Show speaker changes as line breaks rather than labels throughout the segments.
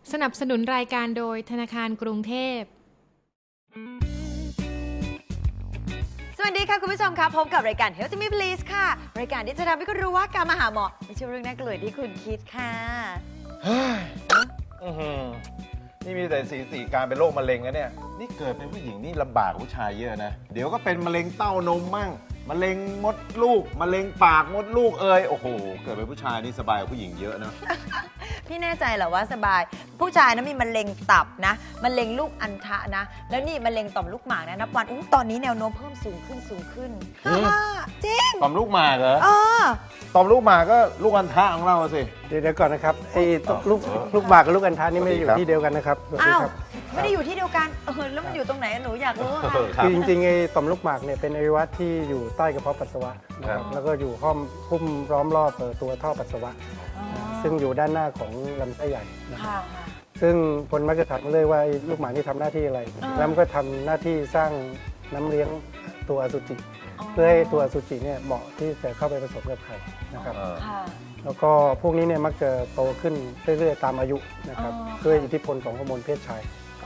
สนับสนุนรายการโดยธนาคารกรุงเทพ
สวัสดีค่ะคุณผู้ชมครับพบกับรายการ Health Me Please ค่ะรายการที่จะทำให้คุณรู้ว่าการมาหาหมอไม่ใช่เรื่องน่ากลัวที่คุณคิดค่ะ
นี่มีแต่สีการเป็นโรคมะเร็งนะเนี่ยนี่เกิดเป็นผู้หญิงนี่ลำบากผู้ชายเยอะนะเดี๋ยวก็เป็นมะเร็งเต้านมมั่งมะเร็งมดลูกมะเร็งปากมดลูกโอ้โหเกิดเป็นผู้ชายนี่สบายกว่าผู้หญิงเยอะนะ
พี่แน่ใจเหรอว่าสบายผู้ชายนะมีมะเร็งตับนะมะเร็งลูกอัณฑะนะแล้วนี่มะเร็งต่อมลูกหมากนะนับวันตอนนี้แนวโน้มเพิ่มสูงขึ้นจริง
ต่อมลูกหมากเหรอต่อมลูกหมากก็ลูกอัณฑะของเราสิ
เดี๋ยวก่อนนะครับไอ้ลูกหมากกับลูกอัณฑะนี่ไม่ได้อยู่ที่เดียวกันนะครับ
อ้าวไม่ได้อยู่ที่เดียวกันแล้วมันอยู่ตรงไหนหนูอยากรู้
คือจริงๆไอ้ต่อมลูกหมากเนี่ยเป็นอวัยวะที่อยู่ใต้กระเพาะปัสสาวะนะครับแล้วก็อยู่หุ้มล้อมรอบตัวท่อปัสสาวะซึ่งอยู่ด้านหน้าของลำไส้ใหญ่นะครับซึ่งคนมักจะถามเลยว่าลูกหมากนี่ทำหน้าที่อะไรแล้วมันก็ทำหน้าที่สร้างน้ำเลี้ยงตัวอสุจิเพื่อให้ตัวอสุจิเนี่ยเหมาะที่จะเข้าไปผสมกับไข่นะครับแล้วก็พวกนี้เนี่ยมักจะโตขึ้นเรื่อยๆตามอายุนะครับด้วยอิทธิพลของฮอร์โมนเพศชาย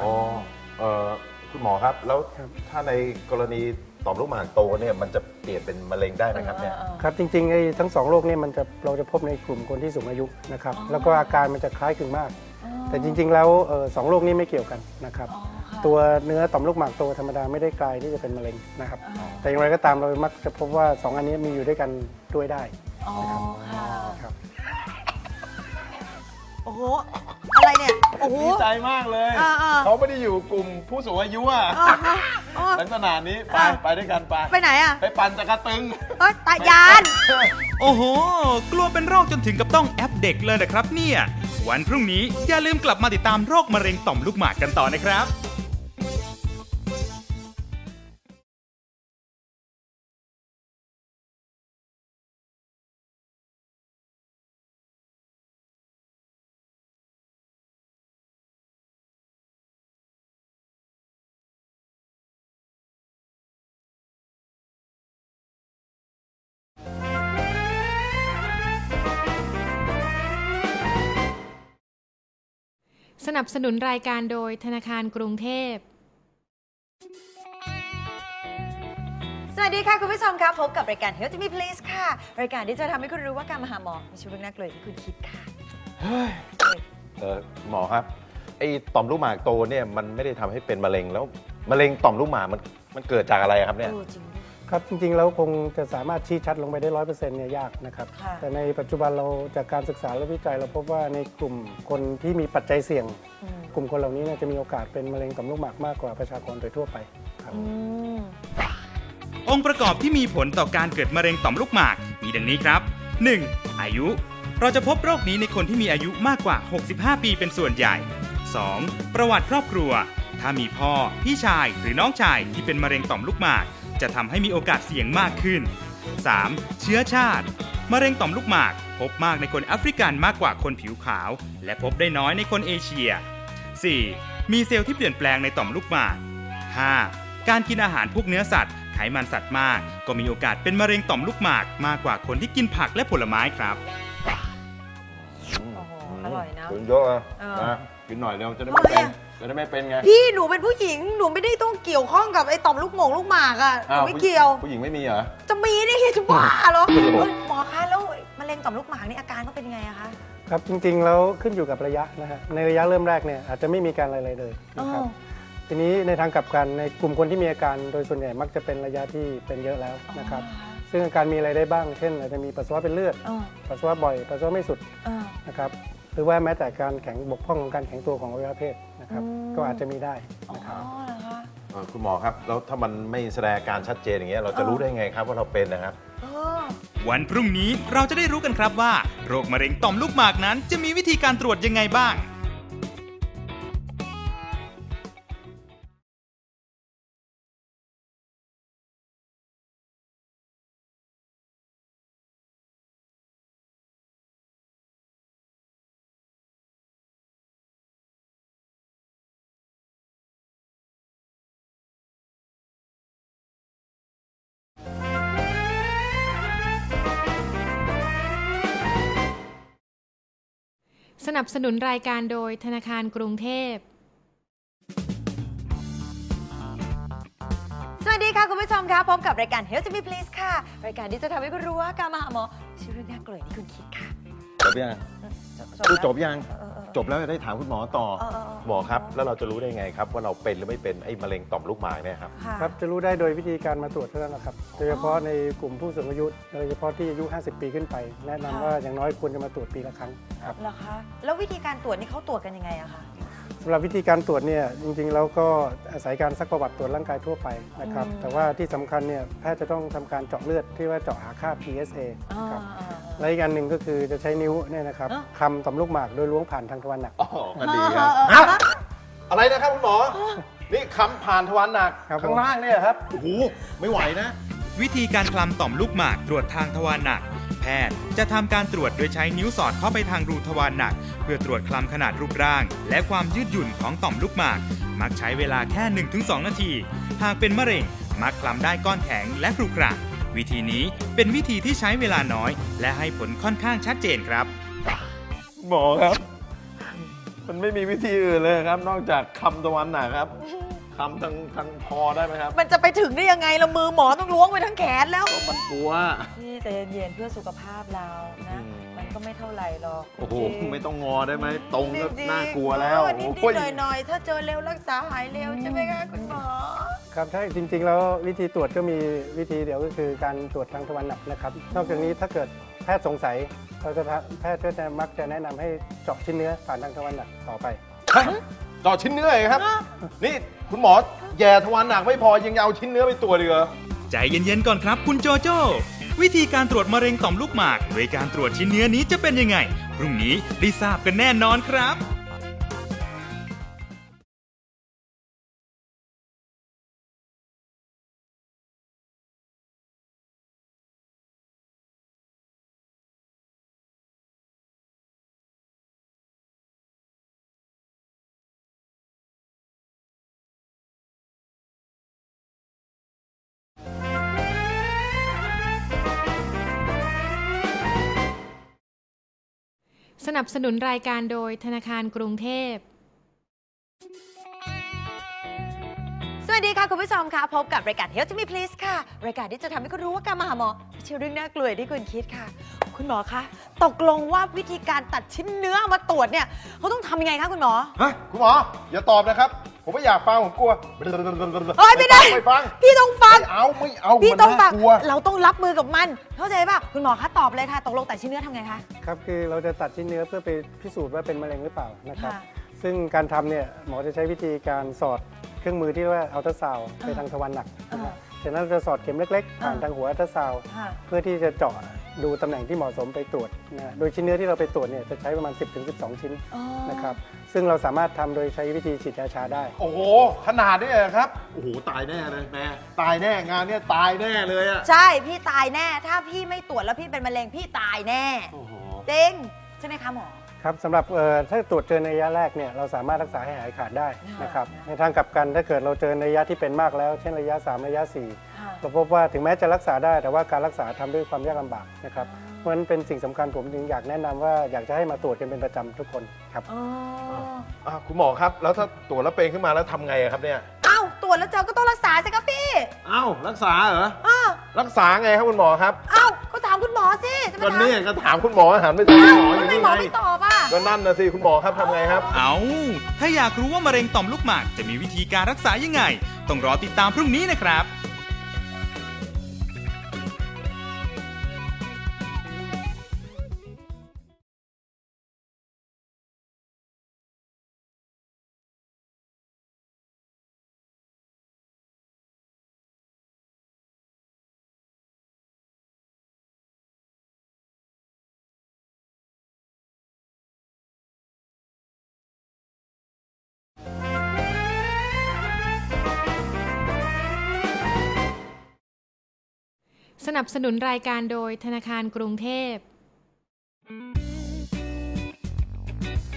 คุณหมอครับแล้วถ้าในกรณีต่อมลูกหมากโตเนี่ยมันจะเปลี่ยนเป็นมะเร็งได้ไหมครับเนี่ย
ครับจริงๆไอ้ทั้ง2โรคเนี่ยเราจะพบในกลุ่มคนที่สูงอายุนะครับแล้วก็อาการมันจะคล้ายคลึงมากแต่จริงๆแล้ว2โรคนี้ไม่เกี่ยวกันนะครับตัวเนื้อต่อมลูกหมากโตธรรมดาไม่ได้กลายที่จะเป็นมะเร็งนะครับแต่อย่างไรก็ตามเรามักจะพบว่า2อันนี้มีอยู่ด้วยกันด้วยได้นะครับ
โอ้โหอะไรเนี่ยโอ้โห
ดีใจมากเลยเขาไม่ได้อยู่กลุ่มผู้สูงอายุลักษณะนี้ไปด้วยกันไป
ไหน
ไปปั่นจักรตึง
ตายาน
โอ้โหกลัวเป็นโรคจนถึงกับต้องแอปเด็กเลยนะครับเนี่ยวันพรุ่งนี้อย่าลืมกลับมาติดตามโรคมะเร็งต่อมลูกหมากกันต่อนะครับ
สนับสนุนรายการโดยธนาคารกรุงเทพ
สวัสดีค่ะคุณผู้ชมครับพบกับรายการ Health Me Please ค่ะรายการที่จะทำให้คุณรู้ว่าการมาหาหมอไม่ใช่เรื่องน่ากลัวที่คุณคิดค่ะ
หมอครับไอ้ต่อมลูกหมากโตเนี่ยมันไม่ได้ทำให้เป็นมะเร็งแล้วมะเร็งต่อมลูกหมากมันเกิดจากอะไรครับเนี่ย
ครับจริงๆแล้วคงจะสามารถชี้ชัดลงไปได้ 100% เนี่ยยากนะครับแต่ในปัจจุบันเราจากการศึกษาและวิจัยเราพบว่าในกลุ่มคนที่มีปัจจัยเสี่ยงกลุ่มคนเหล่านี้จะมีโอกาสเป็นมะเร็งต่อมลูกหมากมากกว่าประชากรโดยทั่วไปครับ
องค์ประกอบที่มีผลต่อการเกิดมะเร็งต่อมลูกหมากมีดังนี้ครับ 1. อายุเราจะพบโรคนี้ในคนที่มีอายุมากกว่า65ปีเป็นส่วนใหญ่ 2. ประวัติครอบครัวถ้ามีพ่อพี่ชายหรือน้องชายที่เป็นมะเร็งต่อมลูกหมากจะทำให้มีโอกาสเสี่ยงมากขึ้น 3. เชื้อชาติมะเร็งต่อมลูกหมากพบมากในคนแอฟริกันมากกว่าคนผิวขาวและพบได้น้อยในคนเอเชีย 4. มีเซลล์ที่เปลี่ยนแปลงในต่อมลูกหมาก 5. การกินอาหารพวกเนื้อสัตว์ไขมันสัตว์มากก็มีโอกาสเป็นมะเร็งต่อมลูกหมากมากกว่าคนที่กินผักและผลไม้ครับ
อร่อยนะ
คุณเยอะนะกินหน่อยเร็วจะได้ไม่เป็นไง
พี่หนูเป็นผู้หญิงหนูไม่ได้ต้องเกี่ยวข้องกับไอ้ต่อมลูกหมากหนูไม่เกี่ยว
ผู้หญิงไม่มีเหรอ
จะมีนี่จะบ้าเหรอหมอคะแล้วมะเร็งต่อมลูกหมากนี่อาการก็เป็นยังไงอะคะ
ครับจริงๆแล้วขึ้นอยู่กับระยะนะฮะในระยะเริ่มแรกเนี่ยอาจจะไม่มีการอะไรเลยนะครับทีนี้ในทางกลับกันในกลุ่มคนที่มีอาการโดยส่วนใหญ่มักจะเป็นระยะที่เป็นเยอะแล้วนะครับซึ่งอาการมีอะไรได้บ้างเช่นอาจจะมีปัสสาวะเป็นเลือดปัสสาวะบ่อยปัสสาวะไม่สุดนะครับหรือว่าแม้แต่การแข็งบกพร่องของการแข็งตัวของอวัยวะเพศนะครับก็อาจจะมีได้นะครับ
คุณหมอครับแล้วถ้ามันไม่แสดงอาการชัดเจนอย่างเงี้ยเราจะรู้ได้ไงครับว่าเราเป็นนะครับ
วันพรุ่งนี้เราจะได้รู้กันครับว่าโรคมะเร็งต่อมลูกหมากนั้นจะมีวิธีการตรวจยังไงบ้าง
สนับสนุนรายการโดยธนาคารกรุงเทพ
สวัสดีค่ะคุณผู้ชมคะพบกับรายการ Health to Me Please ค่ะรายการที่จะทำให้คุณรู้ว่าการมาหาหมอชื่อเรื่องน่ากลัวที่คุณคิดค่ะ
จบยังคือจบยังจบแล้วจะได้ถามคุณหมอต่อหมอครับแล้วเราจะรู้ได้ไงครับว่าเราเป็นหรือไม่เป็นไอ้มะเร็งต่อมลูกหมากเนี่ยครับ
ครับจะรู้ได้โดยวิธีการมาตรวจเท่านั้นนะครับโดยเฉพาะในกลุ่มผู้สูงอายุโดยเฉพาะที่อายุ50 ปีขึ้นไปแนะนำว่าอย่างน้อยควรจะมาตรวจปีละครั้งครับ
เหรอคะแล้ววิธีการตรวจนี่เขาตรวจกันยังไงอะคะ
สำหรับวิธีการตรวจเนี่ยจริงๆแล้วก็อาศัยการซักประวัติตรวจร่างกายทั่วไปนะครับแต่ว่าที่สำคัญเนี่ยแพทย์จะต้องทำการเจาะเลือดที่ว่าเจาะหาค่า PSA ครับและอีกอันหนึ่งก็คือจะใช้นิ้วเนี่ยนะครับคำต่อมลูกหมากโดยล้วงผ่านทางทวารหนัก
อ๋อกันดีครับอะไรนะครับคุณหมอนี่คำผ่านทวารหนักข้างล่างเนี่ยครับโอ้โหไม่ไหวนะ
วิธีการคลำต่อมลูกหมากตรวจทางทวารหนักแพทย์จะทำการตรวจโดยใช้นิ้วสอดเข้าไปทางรูทวารหนักเพื่อตรวจคลำขนาดรูปร่างและความยืดหยุ่นของต่อมลูกหมากมักใช้เวลาแค่ 1-2 นาทีหากเป็นมะเร็งมักคลำได้ก้อนแข็งและกรุกระวิธีนี้เป็นวิธีที่ใช้เวลาน้อยและให้ผลค่อนข้างชัดเจนครับ
หมอครับมันไม่มีวิธีอื่นเลยครับนอกจากคำทวารหนักครับคำทางคอได้ไหมครับ
มันจะไปถึงได้ยังไงเรามือหมอต้องล้วงไปทั้งแขนแล้ว
มันกลัว
พี่ใจเย็นๆเพื่อสุขภาพเรานะมันก็ไม่เท่าไหร่หรอก
โอ้โหไม่ต้องงอได้ไหมตรงก็น่ากลัวแล้ว
นิดๆหน่อยๆถ้าเจอเร็วรักษาหายเร็วใช่ไหมคะคุณหมอ
ครับใช่จริงๆแล้ววิธีตรวจก็มีวิธีเดียวก็คือการตรวจทางทวารหนักนะครับนอกจากนี้ถ้าเกิดแพทย์สงสัยแพทย์ก็จะมักจะแนะนำให้เจาะชิ้นเนื้อผ่านทางทวารหนักต่อไป
เจาะชิ้นเนื้อเลยครับนี่คุณหมอแย่ทวารหนักไม่พอยังเอาชิ้นเนื้อไปตรวจอีกเหรอ
ใจเย็นๆก่อนครับคุณโจโจ้วิธีการตรวจมะเร็งต่อมลูกหมากโดยการตรวจชิ้นเนื้อนี้จะเป็นยังไงพรุ่งนี้ได้ทราบกันแน่นอนครับ
สนับสนุนรายการโดยธนาคารกรุงเทพ
สวัสดีค่ะคุณผู้ชมค่ะพบกับรายการ Health to Me Please ค่ะรายการที่จะทำให้คุณรู้ว่าการมาหาหมอไม่ใช่เรื่องน่ากลัวที่คุณคิดค่ะคุณหมอคะตกลงว่าวิธีการตัดชิ้นเนื้อมาตรวจเนี่ยเขาต้องทำยังไงคะคุณหมอ
ฮะคุณหมออย่าตอบนะครับผมไม่อยากฟังผมกลัว
ไม่ได้
ไม่ฟัง
พี่ต้องฟัง
ไม่เอา
พี่ต้องฟังเราต้องรับมือกับมันเข้าใจป่ะคุณหมอคะตอบเลยค่ะตกลงตัดชิ้นเนื้อทำไงคะ
ครับคือเราจะตัดชิ้นเนื้อเพื่อไปพิสูจน์ว่าเป็นมะเร็งหรือเปล่านะครับซึ่งการทำเนี่ยหมอจะใช้วิธีการสอดเครื่องมือที่เรียกว่าอัลตราซาวด์ไปทางทวารหนักจากนั้นเราจะสอดเข็มเล็กๆผ่านทางหัวอัลตราซาวด์เพื่อที่จะเจาะดูตำแหน่งที่เหมาะสมไปตรวจนะโดยชิ้นเนื้อที่เราไปตรวจเนี่ยจะใช้ประมาณ 10-12 ชิ้นนะครับซึ่งเราสามารถทำโดยใช้วิธีฉีดยาชาได้
โอ้โหขนาดนี้ครับโอ้โหตายแน่เลยแม่ตายแน่งานนี้ตายแน่เลยอ่ะ
ใช่พี่ตายแน่ถ้าพี่ไม่ตรวจแล้วพี่เป็นมะเร็งพี่ตายแน่จริงใช่ไหมคะหมอ
ครับสำหรับถ้าตรวจเจอในระยะแรกเนี่ยเราสามารถรักษาให้หายขาดได้นะครับในทางกลับกันถ้าเกิดเราเจอในระยะที่เป็นมากแล้วเช่นระยะ3ระยะ4เราพบว่าถึงแม้จะรักษาได้แต่ว่าการรักษาทำด้วยความยากลำบากนะครับเพราะฉะนั้นเป็นสิ่งสำคัญผมจึงอยากแนะนำว่าอยากจะให้มาตรวจกันเป็นประจำทุกคนครับ
คุณหมอครับแล้วถ้าตรวจแล้วเป็นขึ้นมาแล้วทำไงครับเนี่ย
ตรวจแล้วเจอก็ต้องรักษาสิครับพี่
รักษาเหรอรักษาไงครับคุณหมอครับ
ก็ถามคุณหมอสิ
ก็นี่ก็ถามคุณหมอหันไปถามคุณหมออยู่
นี่ไงไม่ตอบ
ก็นั่นนะสิคุณหมอครับทำไงครับ
ถ้าอยากรู้ว่ามะเร็งต่อมลูกหมากจะมีวิธีการรักษายังไงต้องรอติดตามพรุ่งนี้นะครับ
สนับสนุนรายการโดยธนาคารกรุงเทพ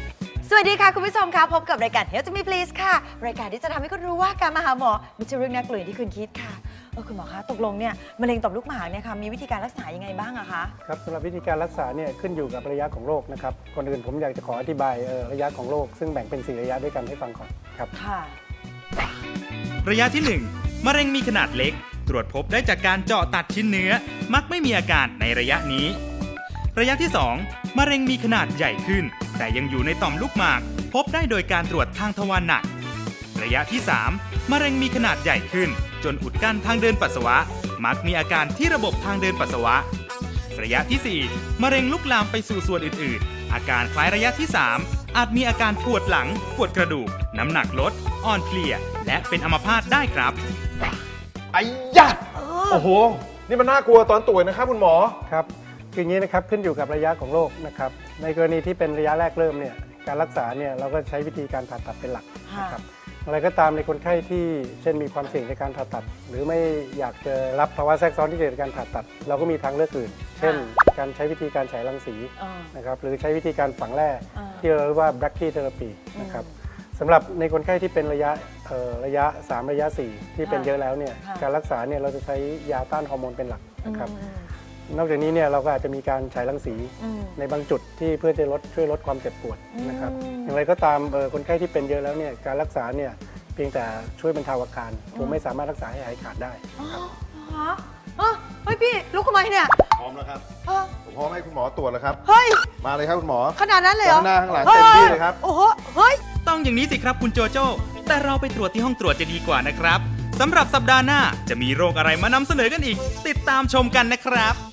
สวัสดีค่ะคุณผู้ชมค่ะพบกับรายการ Health to Me Please ค่ะรายการที่จะทำให้คุณรู้ว่าการมาหาหมอไม่ใช่เรื่องน่ากลัวที่คุณคิดค่ะคุณหมอคะตกลงเนี่ยมะเร็งต่อมลูกหมากเนี่ยค่ะมีวิธีการรักษายังไงบ้างอะคะ
ครับสำหรับวิธีการรักษาเนี่ยขึ้นอยู่กับระยะของโรคนะครับก่อนอื่นผมอยากจะขออธิบายระยะของโรคซึ่งแบ่งเป็น4ระยะด้วยกันให้ฟังก่อนครับ
ค่ะ
ระยะที่1มะเร็งมีขนาดเล็กตรวจพบได้จากการเจาะตัดชิ้นเนื้อมักไม่มีอาการในระยะนี้ระยะที่2มะเร็งมีขนาดใหญ่ขึ้นแต่ยังอยู่ในต่อมลูกหมากพบได้โดยการตรวจทางทวารหนักระยะที่3มะเร็งมีขนาดใหญ่ขึ้นจนอุดกั้นทางเดินปัสสาวะมักมีอาการที่ระบบทางเดินปัสสาวะระยะที่4มะเร็งลุกลามไปสู่ส่วนอื่นๆอาการคล้ายระยะที่3อาจมีอาการปวดหลังปวดกระดูกน้ำหนักลดอ่อนเพลียและเป็นอัมพาตได้ครับ
ไอ้ยะโอ้โหนี่มันน่ากลัวตอนตรวจนะครับคุณหมอ
ครับคืออย่างนี้นะครับขึ้นอยู่กับระยะของโรคนะครับในกรณีที่เป็นระยะแรกเริ่มเนี่ยการรักษาเนี่ยเราก็ใช้วิธีการผ่าตัดเป็นหลักนะครับอะไรก็ตามในคนไข้ที่เช่นมีความเสี่ยงในการผ่าตัดหรือไม่อยากจะรับภาวะแทรกซ้อนที่เกิดจากการผ่าตัดเราก็มีทางเลือกอื่นเช่นการใช้วิธีการฉายรังสีนะครับหรือใช้วิธีการฝังแร่ที่เราเรียกว่า brachytherapy นะครับสำหรับในคนไข้ที่เป็นระยะ3ระยะ4ที่เป็นเยอะแล้วเนี่ยการรักษาเนี่ยเราจะใช้ยาต้านฮอร์โมนเป็นหลักนะครับนอกจากนี้เนี่ยเราก็อาจจะมีการฉายรังสีในบางจุดที่เพื่อจะช่วยลดความเจ็บปวดนะครับอย่างไรก็ตามคนไข้ที่เป็นเยอะแล้วเนี่ยการรักษาเนี่ยเพียงแต่ช่วยบรรเทาอาการคงไม่สามารถรักษาให้หายขาดได้ครับ
เฮ้ยพี่ลุกทำไมเนี่ย
พร้อมแล้วครับผมพร้อมให้คุณหมอตรวจแล้วครับ
เฮ้ย
มาเลยครับคุณหมอ
ขนาดนั้นเลยเหรอ
ข้างหน้าข้างหลังเต็มที่เลยครับ
โอ้โหเฮ้ย
ต้องอย่างนี้สิครับคุณโจโจ้แต่เราไปตรวจที่ห้องตรวจจะดีกว่านะครับสำหรับสัปดาห์หน้าจะมีโรคอะไรมานำเสนอกันอีกติดตามชมกันนะครับ